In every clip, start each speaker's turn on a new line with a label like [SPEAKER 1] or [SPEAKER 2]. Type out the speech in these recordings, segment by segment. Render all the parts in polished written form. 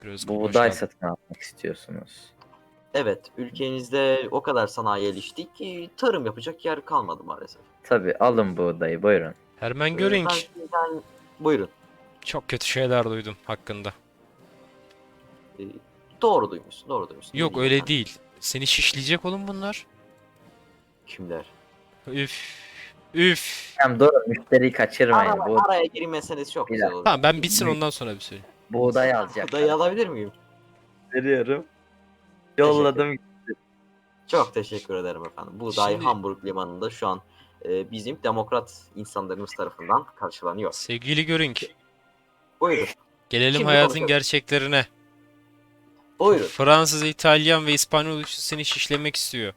[SPEAKER 1] Özgür, hoş
[SPEAKER 2] Buğday
[SPEAKER 1] geldin.
[SPEAKER 2] satın almak istiyorsunuz.
[SPEAKER 3] Evet, ülkenizde o kadar sanayi gelişti ki tarım yapacak yer kalmadı maalesef.
[SPEAKER 2] Tabii alın buğdayı buyurun.
[SPEAKER 1] Hermann
[SPEAKER 3] Ben
[SPEAKER 1] Göring.
[SPEAKER 3] sizden buyurun.
[SPEAKER 1] Çok kötü şeyler duydum hakkında.
[SPEAKER 3] Ee, doğru duymuşsun, doğru duymuşsun. Ne
[SPEAKER 1] Yok
[SPEAKER 3] diyeyim
[SPEAKER 1] öyle
[SPEAKER 3] ben?
[SPEAKER 1] değil. Seni şişleyecek oğlum bunlar.
[SPEAKER 3] Kimler?
[SPEAKER 1] Üf. Üf.
[SPEAKER 2] Hem durun müşteriyi kaçırmayın.
[SPEAKER 3] Araya girmeseniz çok
[SPEAKER 2] Bir
[SPEAKER 3] güzel
[SPEAKER 2] dakika.
[SPEAKER 3] olur.
[SPEAKER 1] Tamam ben bitsin ondan sonra bir söyleyeyim.
[SPEAKER 2] Buğday alacaklar.
[SPEAKER 3] Dayı alabilir miyim?
[SPEAKER 2] Veriyorum. Yolladım.
[SPEAKER 3] Çok teşekkür ederim efendim. Buğday
[SPEAKER 1] Şimdi-
[SPEAKER 3] Hamburg limanında şu an bizim demokrat insanlarımız tarafından karşılanıyor.
[SPEAKER 1] Sevgili Göring.
[SPEAKER 3] Buyurun,
[SPEAKER 1] Gelelim
[SPEAKER 3] Şimdi
[SPEAKER 1] hayatın
[SPEAKER 3] konuşalım.
[SPEAKER 1] gerçeklerine.
[SPEAKER 3] buyurun.
[SPEAKER 1] Fransız, İtalyan ve İspanyol üçlüsü seni şişlemek istiyor.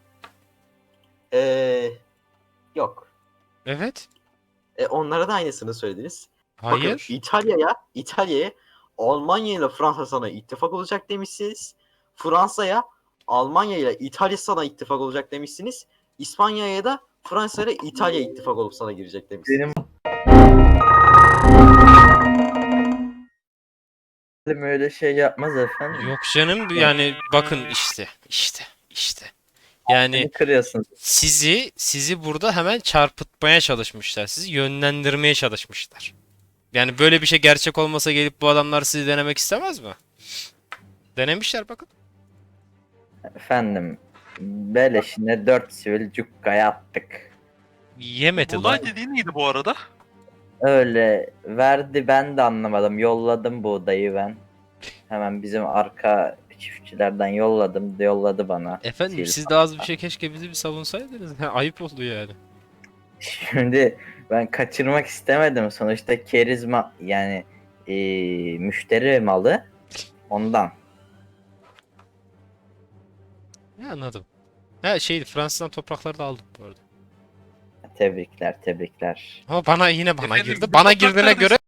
[SPEAKER 3] Yok.
[SPEAKER 1] Evet.
[SPEAKER 3] Onlara da aynısını söylediniz.
[SPEAKER 1] Hayır.
[SPEAKER 3] Bakın İtalya'ya Almanya ile Fransa sana ittifak olacak demişsiniz. Fransa'ya Almanya ile İtalya sana ittifak olacak demişsiniz. İspanya'ya da Fransa ile İtalya ittifak olup sana girecek demişsiniz.
[SPEAKER 2] Benim öyle şey yapmaz efendim.
[SPEAKER 1] Yok canım yani bakın işte. Yani
[SPEAKER 2] Beni kırıyorsunuz.
[SPEAKER 1] sizi burada hemen çarpıtmaya çalışmışlar. Sizi yönlendirmeye çalışmışlar. Yani böyle bir şey gerçek olmasa gelip bu adamlar sizi denemek istemez mi? Denemişler bakın.
[SPEAKER 2] Efendim beleşine 4 sivil cukkaya attık.
[SPEAKER 1] Yemedi lan.
[SPEAKER 4] Buğday dediğin neydi bu arada?
[SPEAKER 2] Öyle verdi, ben de anlamadım. Yolladım buğdayı ben. Hemen bizim arka çiftçilerden yolladı bana.
[SPEAKER 1] Efendim
[SPEAKER 2] Sivil
[SPEAKER 1] siz de az bir şey keşke bizi bir savunsaydınız. Ayıp oldu yani.
[SPEAKER 2] Şimdi ben kaçırmak istemedim. Sonuçta kerizma yani müşteri malı ondan.
[SPEAKER 1] Ya anladım. Ha şeydi Fransız'dan toprakları da aldım bu arada.
[SPEAKER 2] Tebrikler.
[SPEAKER 1] Ama bana
[SPEAKER 4] Efendim,
[SPEAKER 1] girdi.
[SPEAKER 4] bu
[SPEAKER 1] Bana
[SPEAKER 4] toprak
[SPEAKER 1] girdiğine
[SPEAKER 4] neredeyse-
[SPEAKER 1] göre